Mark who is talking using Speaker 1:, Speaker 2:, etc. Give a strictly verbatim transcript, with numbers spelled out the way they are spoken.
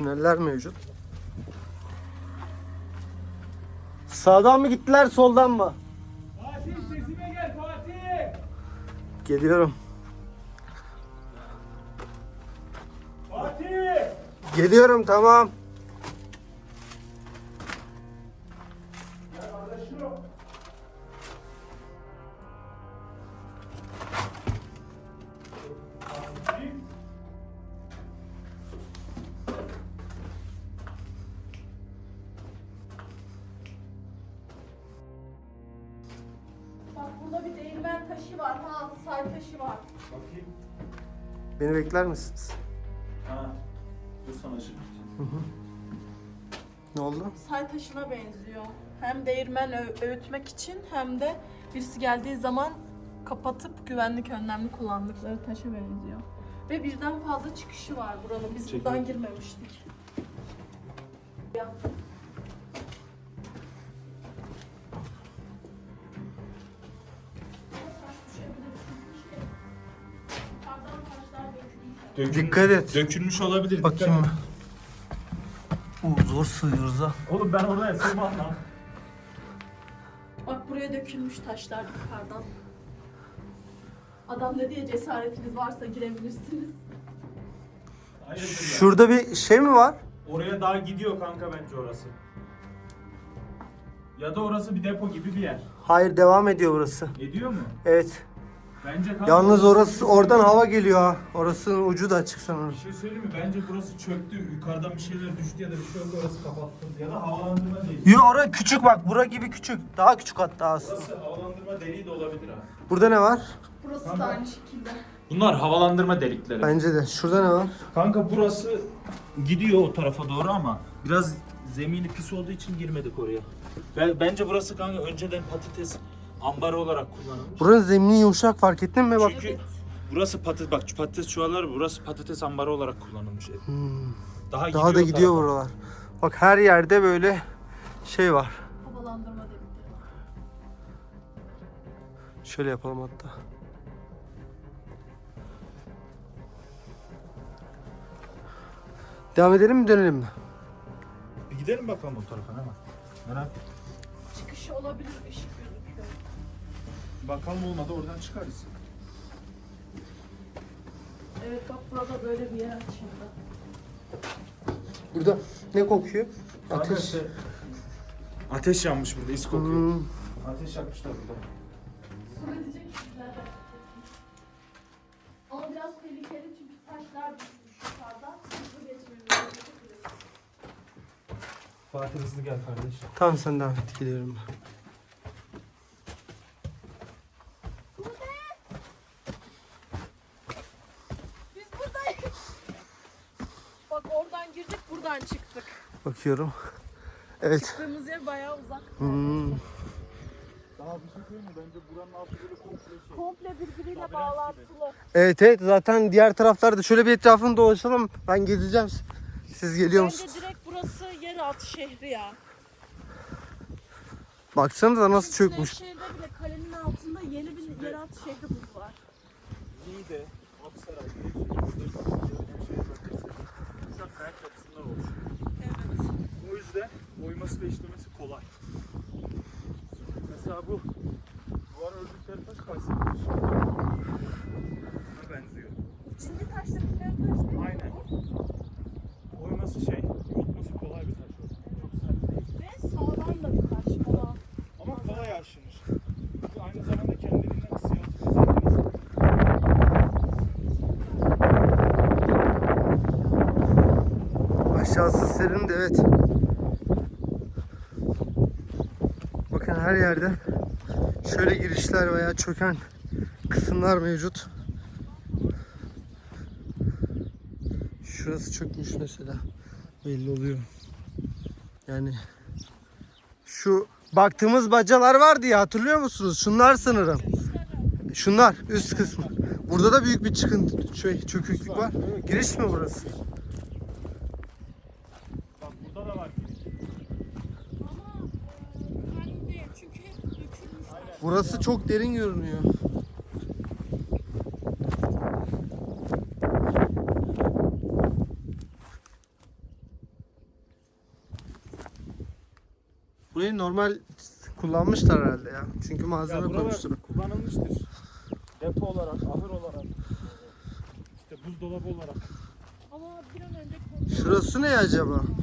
Speaker 1: Tüneller mevcut. Sağdan mı gittiler, soldan mı?
Speaker 2: Fatih sesime gel Fatih.
Speaker 1: Geliyorum.
Speaker 2: Fatih.
Speaker 1: Geliyorum, tamam.
Speaker 2: Ya kardeşim. Fatih.
Speaker 3: Bak burada bir değirmen taşı var. Ha, say taşı var.
Speaker 2: Bakayım.
Speaker 1: Beni bekler misiniz?
Speaker 2: Ha. Dur sana ışık.
Speaker 1: Ne oldu?
Speaker 3: Say taşına benziyor. Hem değirmen ö- öğütmek için hem de birisi geldiği zaman kapatıp güvenlik önlemli kullandıkları taşa benziyor. Ve birden fazla çıkışı var buranın. Biz
Speaker 2: Çekil.
Speaker 3: buradan girmemiştik. Ya.
Speaker 2: Dökülmüş,
Speaker 1: Dikkat et.
Speaker 2: Dökülmüş olabilir.
Speaker 1: Bakayım.
Speaker 2: dikkat et.
Speaker 1: Oo, zor sığıyoruz ha.
Speaker 2: Oğlum ben oraya sığmam lan.
Speaker 3: Bak buraya dökülmüş taşlar yukarıdan. Adam ne diye cesaretiniz varsa girebilirsiniz.
Speaker 2: Hayırdır ya?
Speaker 1: Şurada bir şey mi var?
Speaker 2: Oraya daha gidiyor kanka bence orası. Ya da orası bir depo gibi bir yer.
Speaker 1: Hayır, devam ediyor burası.
Speaker 2: Ediyor mu?
Speaker 1: Evet.
Speaker 2: Bence kanka
Speaker 1: Yalnız orası,
Speaker 2: bir-
Speaker 1: oradan hava geliyor ha. Orasının ucu da açık sanırım.
Speaker 2: Bir şey söyleyeyim mi? Bence burası çöktü. Yukarıdan bir şeyler düştü ya da bir şey oldu, orası kapattı. Ya da havalandırma deliği.
Speaker 1: Yo, orası küçük bak. Bura gibi küçük. Daha küçük hatta aslında.
Speaker 2: Burası havalandırma deliği de olabilir ha.
Speaker 1: Burada ne var?
Speaker 3: Burası
Speaker 2: Tamam.
Speaker 3: da aynı şekilde.
Speaker 2: Bunlar havalandırma delikleri.
Speaker 1: Bence de. Şurada ne var?
Speaker 2: Kanka burası gidiyor o tarafa doğru ama biraz zemini pis olduğu için girmedik oraya. Ve bence burası kanka önceden patates ambarı olarak kullanılmış.
Speaker 1: Buranın zemini yumuşak, fark ettin mi? Bak.
Speaker 2: Çünkü burası patates bak şu patates çuvalları, burası patates ambarı olarak kullanılmış.
Speaker 1: Hmm.
Speaker 2: Daha,
Speaker 1: Daha da
Speaker 2: o
Speaker 1: gidiyor
Speaker 2: tarafa.
Speaker 1: buralar. Bak her yerde böyle şey var.
Speaker 3: Havalandırma delikleri var.
Speaker 1: Şöyle yapalım hatta. Devam edelim mi, dönelim mi?
Speaker 2: Bir gidelim bakalım o tarafa ne var. Merak ettim.
Speaker 3: Çıkışı olabilir, ışık gözüküyor.
Speaker 2: Bakalım olmadı oradan çıkarız.
Speaker 3: Evet bak burada böyle bir yer açıldı.
Speaker 1: Burada ne kokuyor?
Speaker 2: Ateş.
Speaker 1: Ateş.
Speaker 2: Ateş yanmış burada, is kokuyor.
Speaker 1: Hmm.
Speaker 2: Ateş yakmışlar burada.
Speaker 3: Su edecek sizler de. Ama biraz tehlikeli çünkü taşlar düşmüş yukarıdan. Hızlı geçmemiz gerekiyor.
Speaker 2: Fatih hızlı gel kardeş.
Speaker 1: Tamam, sen devam et, geliyorum ben.
Speaker 3: Biz buradayız. Bak oradan girdik, buradan çıktık.
Speaker 1: Bakıyorum. Evet.
Speaker 3: Çıktığımız yer bayağı uzak.
Speaker 1: Hmm.
Speaker 2: Daha bir şey söyleyeyim mi? Bence buranın altı böyle komple şey.
Speaker 3: Komple birbiriyle bağlantılı.
Speaker 1: Evet evet, zaten diğer taraflarda şöyle bir etrafını dolaşalım. Ben gezeceğim. Siz geliyor
Speaker 3: Bence
Speaker 1: musunuz?
Speaker 3: direkt burası yeraltı şehri ya.
Speaker 1: Baksanıza nasıl çökmüş.
Speaker 3: Nevşehir'de bile kalenin altında yeni bir yeraltı şehri buldular.
Speaker 2: Niğde, Aksaray, Nevşehir, Uşak kayak yapısından oluşuyor.
Speaker 3: Evet.
Speaker 2: O yüzden oyması ve işlemesi kolay. Mesela bu duvar ördükleri taş Kayseri'dir. Buna benziyor.
Speaker 3: İçinde taşlıkları taş değil mi?
Speaker 2: Aynen. Oyması şey, yontması kolay bir taş. Çok sert değil.
Speaker 3: Ve sağlam da bir taş olan.
Speaker 2: Ama kolay aşınır. Çünkü aynı zamanda kendiliğinden ısıyatı özelliği.
Speaker 1: Aşağısı serin de, evet. Bakın her yerde şöyle girişler veya çöken kısımlar mevcut. Şurası çökmüş mesela. Belli oluyor. Yani şu baktığımız bacalar vardı ya, hatırlıyor musunuz? Şunlar sanırım. Şunlar üst kısmı. Burada da büyük bir çıkıntı, şey, çöküklük var. Giriş mi burası?
Speaker 2: Bak burada da var giriş.
Speaker 3: Ama e, halim değil çünkü hep dökülmüş.
Speaker 1: Burası çok derin görünüyor. Burayı normal kullanmışlar herhalde ya. Çünkü
Speaker 4: Ya
Speaker 1: malzeme
Speaker 4: buralar
Speaker 1: koymuşlar.
Speaker 4: kullanılmıştır. Depo olarak, ahır olarak, işte buzdolabı olarak.
Speaker 3: Ama bir an önce
Speaker 1: Şurası ne acaba?